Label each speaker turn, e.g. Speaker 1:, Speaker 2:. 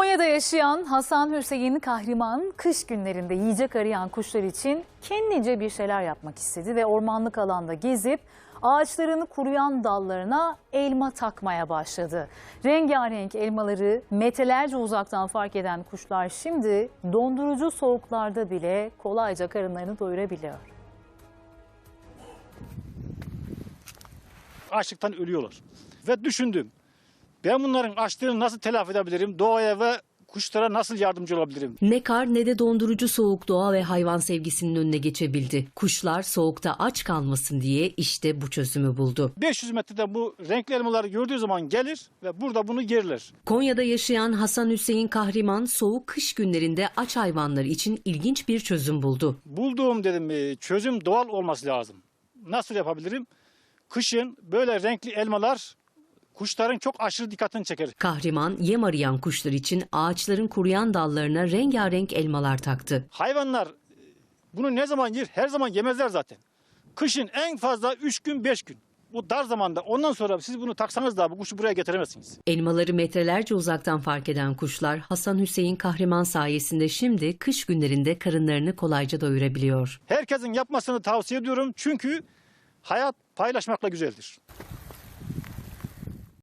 Speaker 1: Konya'da yaşayan Hasan Hüseyin Kahriman kış günlerinde yiyecek arayan kuşlar için kendince bir şeyler yapmak istedi ve ormanlık alanda gezip ağaçlarını kuruyan dallarına elma takmaya başladı. Rengarenk elmaları metrelerce uzaktan fark eden kuşlar şimdi dondurucu soğuklarda bile kolayca karınlarını doyurabiliyor.
Speaker 2: Açlıktan ölüyorlar. Ve düşündüm, ben bunların açlığını nasıl telafi edebilirim, doğaya ve kuşlara nasıl yardımcı olabilirim?
Speaker 3: Ne kar ne de dondurucu soğuk doğa ve hayvan sevgisinin önüne geçebildi. Kuşlar soğukta aç kalmasın diye işte bu çözümü buldu.
Speaker 2: 500 metrede bu renkli elmaları gördüğü zaman gelir ve burada bunu yerler.
Speaker 3: Konya'da yaşayan Hasan Hüseyin Kahriman soğuk kış günlerinde aç hayvanlar için ilginç bir çözüm buldu.
Speaker 2: Bulduğum çözüm doğal olması lazım. Nasıl yapabilirim? Kışın böyle renkli elmalar kuşların çok aşırı dikkatini çeker.
Speaker 3: Kahriman yem arayan kuşlar için ağaçların kuruyan dallarına rengarenk elmalar taktı.
Speaker 2: Hayvanlar bunu ne zaman yer? Her zaman yemezler zaten. Kışın en fazla 3 gün 5 gün. Bu dar zamanda. Ondan sonra siz bunu taksanız da bu kuşu buraya getiremezsiniz.
Speaker 3: Elmaları metrelerce uzaktan fark eden kuşlar Hasan Hüseyin Kahriman sayesinde şimdi kış günlerinde karınlarını kolayca doyurabiliyor.
Speaker 2: Herkesin yapmasını tavsiye ediyorum. Çünkü hayat paylaşmakla güzeldir.